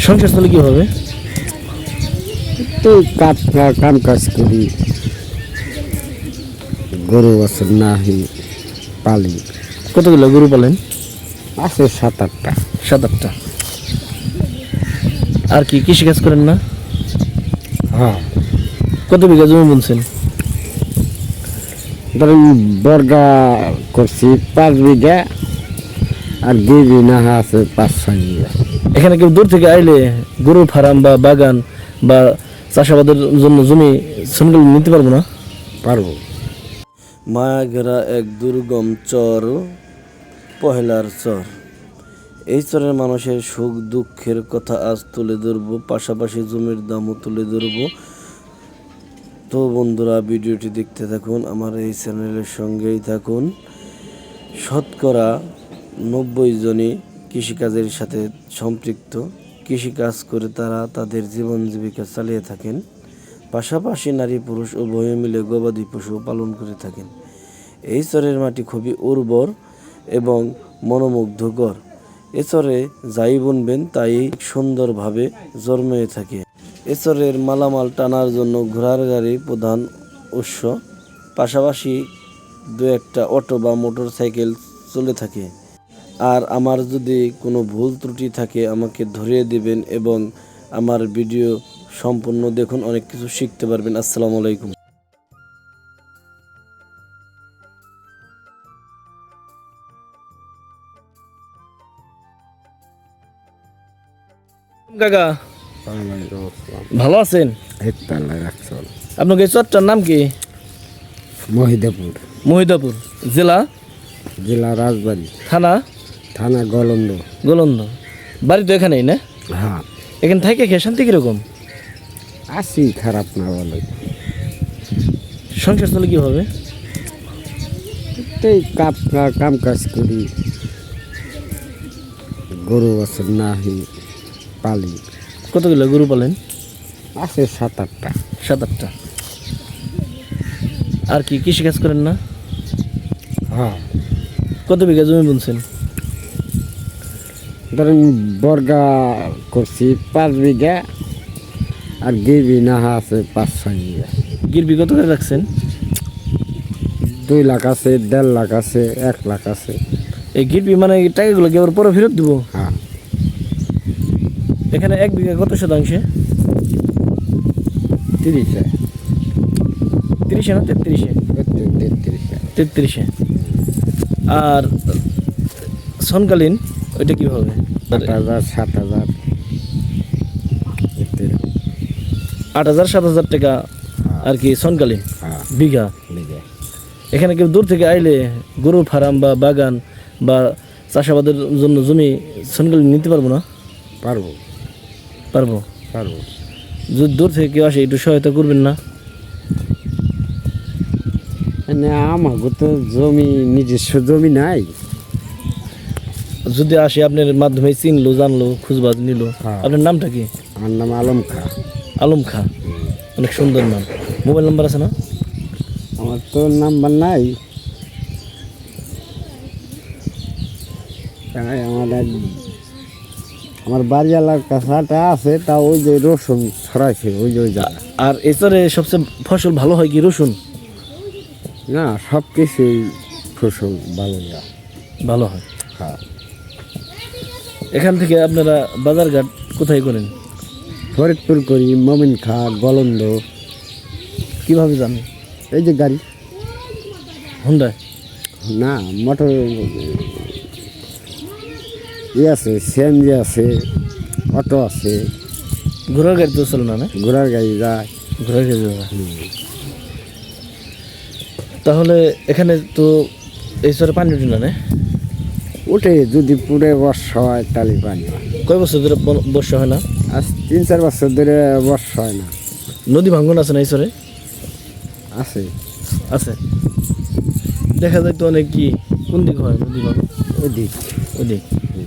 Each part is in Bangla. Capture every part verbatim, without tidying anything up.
সংসার চলে কিভাবে? তো কাজ কাম কাজ করি, গরু আছে নাহি পালি। কতগুলো গরু পালেন? আছে সাত আটটা। সাত আটটা। আর কি কৃষিকাজ করেন না? হ্যাঁ, কত বিঘা জমি বুনছেন? ধরেন বর্গা করছি পাঁচ বিঘা, আর দুই বিঘা আছে পাঁচ ছয় বিঘা। এখানে কেউ দূর থেকে আইলে গরু ফার্ম বা বাগান বা চাষাবাদের জন্য জমি সনগল নিতে পারবো না? পারবো। মায়া ঘেরা এক দুর্গম চর, পহেলার চর। এই চরের মানুষের সুখ দুঃখের কথা আজ তুলে ধরবো, পাশাপাশি জমির দামও তুলে ধরবো। তো বন্ধুরা, ভিডিওটি দেখতে থাকুন, আমার এই চ্যানেলের সঙ্গেই থাকুন। শতকরা নব্বই জনই কৃষিকাজের সাথে সম্পৃক্ত। কৃষিকাজ করে তারা তাদের জীবন জীবিকা চালিয়ে থাকেন। পাশাপাশি নারী পুরুষ উভয়ে মিলে গবাদি পশু পালন করে থাকেন। এই চরের মাটি খুবই উর্বর এবং মনোমুগ্ধকর। এ চরে যাই বুনবেন তাই সুন্দরভাবে জন্মে থাকে। এ চরের মালামাল টানার জন্য ঘোড়ার গাড়ি প্রধান উৎস, পাশাপাশি দু একটা অটো বা মোটর সাইকেল চলে থাকে। আর আমার যদি কোনো ভুল ত্রুটি থাকে আমাকে ধরিয়ে দিবেন এবং আমার ভিডিও সম্পূর্ণ দেখুন, অনেক কিছু শিখতে পারবেন। আসসালামু আলাইকুম। কাকা ভালো আছেন? আপনার এই চরটার নাম কি? মহিদাপুর, মহিদাপুর জেলা? জেলা রাজবাড়ী, থানা? থানা গলন্দ। গোলন্দ। বাড়ি তো এখানেই না? হ্যাঁ, এখানে থাকে খেয়ে শান্তি কিরকম? আছি, খারাপ না বলে। সংসার চলে কিভাবে? এই কাপ কাম কাজ করি, গরু আছে নাহি পালি। কতগুলো গরু পালেন? আছে সাত আটটা। সাত আটটা। আর কি কৃষিকাজ করেন না? হ্যাঁ, কত বিঘা জমি বুনছেন? ধরেন বর্গা করছি পাঁচ বিঘা, আর দুই বিঘা আছে পাঁচ ছয় বিঘা। গিরবি কত করে রাখছেন? দুই লাখ আছে, দেড় লাখ আছে, এক লাখ আছে। এই গিরবি মানে এই টাকাগুলো কি আবার পরে ফেরত দিব? হ্যাঁ, এখানে এক বিঘা কত শতাংশে? তিরিশে, তিরিশে না তেত্রিশে? তেত্রিশে। তেত্রিশে। আর সনকালীন ওইটা কীভাবে? আট হাজার সাত হাজার আট হাজার সাত হাজার টাকা আর কি সনকালীন বিঘা। বিঘা। এখানে কেউ দূর থেকে আইলে গরু ফার্ম বা বাগান বা চাষাবাদের জন্য জমি সনকালীন নিতে পারবো না? পারবো। পারবো পারবো। যদি দূর থেকে কেউ আসে একটু সহায়তা করবেন না? মানে আমাকে তো জমি, নিজস্ব জমি নাই। যদি আসে আপনার মাধ্যমে চিনলো, জানলো, খুঁজবাজ নিল। হ্যাঁ। আপনার নামটা কি? আমার নাম আলম খা। আলম খা, অনেক সুন্দর নাম। মোবাইল নাম্বার আছে না? আমার তো নাম্বার নাই। তাই আমার এক- আমার বাড়ি এলাকার কাছাটা আছে, তা ওই যে রসুন ছড়াইছে ওই যে ওই জায়গা। আর এছাড়া সবচেয়ে ফসল ভালো হয় কি রসুন? না, সব কিছুই ফসল ভালো না। ভালো হয়। হ্যাঁ, এখান থেকে আপনারা বাজারঘাট কোথায় করেন? ফরিদপুর করি, মমিন খা, গলন্দ। কিভাবে জানেন? এই যে গাড়ি, হুন্ডায়? না মোটর ইয়ে আছে, সিএনজি আছে, অটো আছে। ঘোড়ার গাড়ি তো চলে না? না, ঘোড়ার গাড়ি যায়। ঘোড়ার গাড়ি যাবে। তাহলে এখানে তো এই সরে পানি উঠে না? না, উঠে যদি পুরে বর্ষা হয় তাহলে পানি হয়। কয় বছর ধরে ব- বর্ষা হয় না? আজ তিন চার বছর ধরে বর্ষা হয় না। নদী ভাঙ্গন আছে না এই সরে? আছে, আছে। দেখা যায় তো অনেক। কি কোন দিক হয় নদী ভাঙ্গন? ওদিক। ওদিক।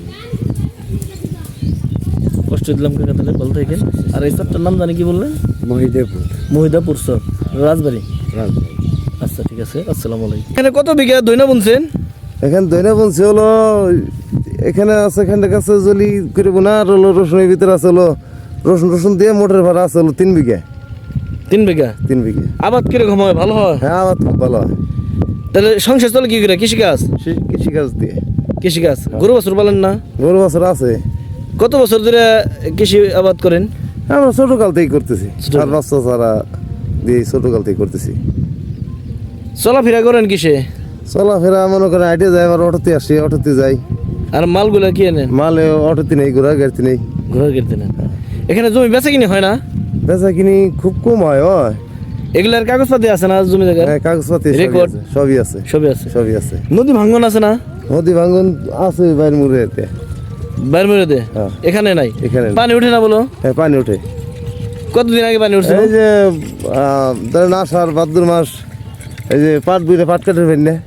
কষ্ট দিলাম কাকা, তাহলে ভালো থাকেন। আর এই চরটার নাম জানি কি বললেন? মহিদাপুর, মহিদাপুর চর, রাজবাড়ি। রাজবাড়ী। আচ্ছা, ঠিক আছে। আসসালামু আলাইকুম। এখানে কত বিঘা দইনা বুনছেন? এখানে দইনা বলছে হলো এখানে আছে এখানে কাছে জলি করে বোনা আর হলো রসুনের ভিতরে আছে হলো রসুন রসুন দিয়ে মোটর ভাড়া আছে হলো তিন বিঘা তিন বিঘা তিন বিঘা আবাদ কিরকম হয়, ভালো হয়? হ্যাঁ আবাদ খুব ভালো হয় তাহলে সংসার চলে কি করে? কৃষিকাজ? সে কৃষিকাজ দিয়ে কৃষিকাজ। গরু বাছুর পালেন না? গরু বছর আছে কত বছর ধরে কৃষি আবাদ করেন? আমরা ছোটকাল থেকেই করতেছি আর বাচ্চা ছাড়া দিয়ে ছোটকাল থেকে করতেছি। চলাফেরা করেন কিসে? চলাফেরা মনে করেন আইটে যাই আবার অটোতে আসি অটোতে যাই আর মালগুলা কি এনেন? মালে অটোতে নেই ঘোরা গাড়িতে নেই ঘোরার কিনতে নেন। এখানে জমি বেচা কিনে হয় না? বেচা কিনি খুব কম হয় ওই এগুলার কাগজপাতি আছে না জমি জায়গায়? হ্যাঁ, কাগজপাতি সবই রেকর্ড? আছে, সবই আছে সবই আছে। সবই আছে নদী ভাঙ্গন আছে না? নদী ভাঙ্গন আছে বাইর মুড়েতে বাইর মেরে দে, হ্যাঁ। এখানে নাই? এখানে নেই। পানি উঠে না বলো? হ্যাঁ পানি ওঠে কতদিন আগে পানি উঠছে? এই যে আহ, ধরেন আষাঢ় ভাদ্র মাস এই যে পাট বুড়ে পাট কাটে ফেল না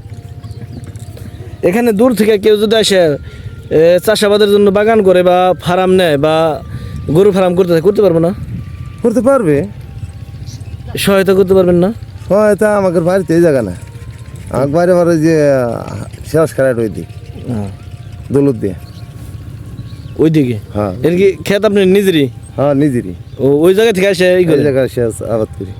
এখানে দূর থেকে কেউ যদি আসে এ, চাষাবাদের জন্য বাগান করে বা ফার্ম নেয় বা গরু ফার্ম করতে চায়, করতে পারবো না? করতে পারবে সহায়তা করতে পারবেন না? হয়তো আমাদের বাড়িতে এই জায়গা না আমার বাইরে বারে যে শেষ খারাট ওই দিক দৌলত দিয়ে ওইদিকে? হ্যাঁ এর কি ক্ষেত আপনি নিজেরই? হ্যাঁ নিজেরই ও ওই জায়গা থেকে আসে এই এই করে? জায়গায় শেষ আবাদ করি।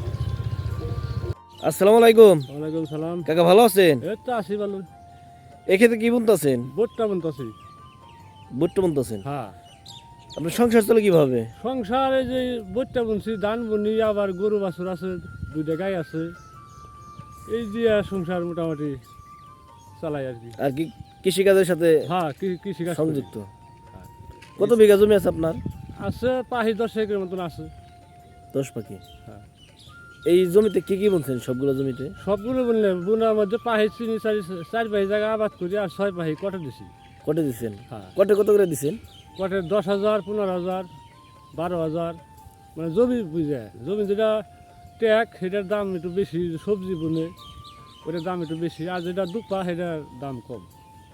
আসসালামু আলাইকুম ওয়ালাইকুম সালাম। কাকা, ভালো আছেন? এই তো আসি ভালো। এই ক্ষেতে কি বুনতেছেন? বোটটা বনতাছি। বুট্টা বুনতেছেন? হ্যাঁ। আপনার সংসার চলে কিভাবে? সংসারে যে বোটটা বুনছি, ধান বুনি, আবার গরু বাছুর আছে, দুইটা গাই আছে, এই দিয়ে সংসার মোটামুটি চালাই আর কি। আর কি কৃষিকাজের সাথে হ্যাঁ, কৃ- কৃষিকাজ করি। সংযুক্ত? কত বিঘা জমি আছে আপনার? আছে পাহি দশ একরের মতন আছে। দশ পাখি? হ্যাঁ। এই জমিতে কি কি বুনছেন? সবগুলো জমিতে? সবগুলো বুনলে বুনার মধ্যে পাহি চিনি চারি চার পাহি জায়গা আবাদ করি আর ছয় পাহি কটে দিছি। কটে দিচ্ছেন? হ্যাঁ। কটে কত করে দিচ্ছেন? কটে দশ হাজার পনেরো হাজার বারো হাজার মানে জমি বুঝে জমি যেটা ট্যাক সেটার দাম একটু বেশি, সবজি বুনে ওটার দাম একটু বেশি, আর যেটা দুপা সেটার দাম কম।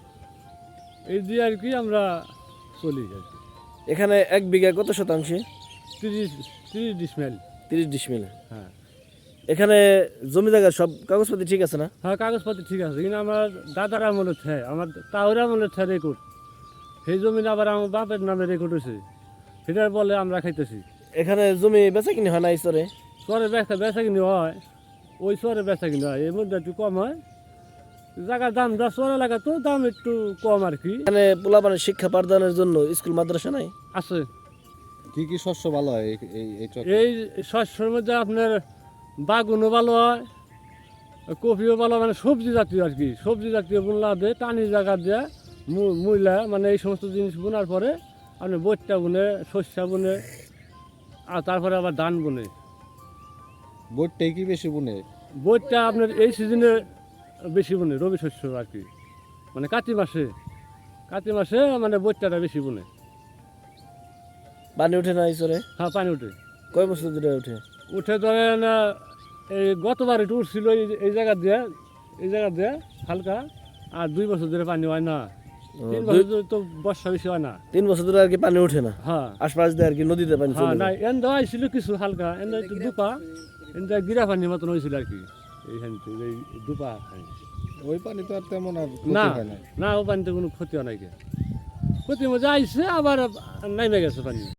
এই দিয়ে আর কি আমরা চলি আর কি। এখানে এক বিঘা কত শতাংশে? তিরিশ তিরিশ ডিসমেল। তিরিশ ডিসমিল? হ্যাঁ। এখানে জমি জায়গা সব কাগজপাতি ঠিক আছে না? হ্যাঁ, কাগজপাতি ঠিক আছে, কিন্তু আমার দাদার আমলের থ্যায়, আমার তাওর আমলের থ্যায় রেকর্ড, সেই জমি আবার আমার বাপের নামে রেকর্ড হয়েছে, সেটার বলে আমরা খাইতেছি। এখানে জমি বেচা কিনে হয় না এই চরে? চরে বেচা বেচা কিনি হয়, ওই চরে বেচা কিনি হয়, এর মধ্যে একটু কম হয়। জায়গার দাম যা চর এলাকা তো দাম একটু কম আর কি। এখানে পোলাপানের শিক্ষা পাঠদানের জন্য স্কুল মাদ্রাসা নাই? আছে। কি কি শস্য ভালো হয় এই- এই এই চক? এই শস্যের মধ্যে আপনার বাগুনও ভালো হয়, কপিও ভালো হয়, মানে সবজি জাতীয় আর কি, সবজি জাতীয় বুনলা দিয়ে টানি জায়গা দিয়ে মূলা মানে এই সমস্ত জিনিস বোনার পরে আপনি বইটা বুনে, শস্যা বুনে, আর তারপরে আবার ধান বুনে। বোটটাই কি বেশি বুনে? বইটা আপনার এই সিজনে বেশি বুনে, রবি শস্য আর কি, মানে কাতি মাসে, কাতি মাসে মানে বইটাটা বেশি বুনে। পানি ওঠে না এই চরে? হ্যাঁ, পানি উঠে। কয় বছর ধরে ওঠে? উঠে ধরেন এই গতবার একটু উঠছিল এই- এই জায়গা দিয়ে, এই জায়গা দিয়ে হালকা, আর দুই বছর ধরে পানি হয় না, তিন বছর ধরে তো বর্ষা বেশি হয় না। তিন বছর ধরে আর কি পানি ওঠে না? হ্যাঁ। আশপাশ দিয়ে আর কি নদীতে পানি হ্যাঁ, চলে না যায়? এন দেওয়া ছিল কিছু হালকা, এন একটু দুপা, এন গিরা পানির মতন হয়েছিল আর কি, এইখান থেকে এই দুপা পানি। ওই পানি তো আর তেমন আর ক্ষতি না হয় না। না, ও পানিতে কোনো ক্ষতি হয় নাই, ক্ষতি মজা আইসে আবার নাইমে গেছে পানি।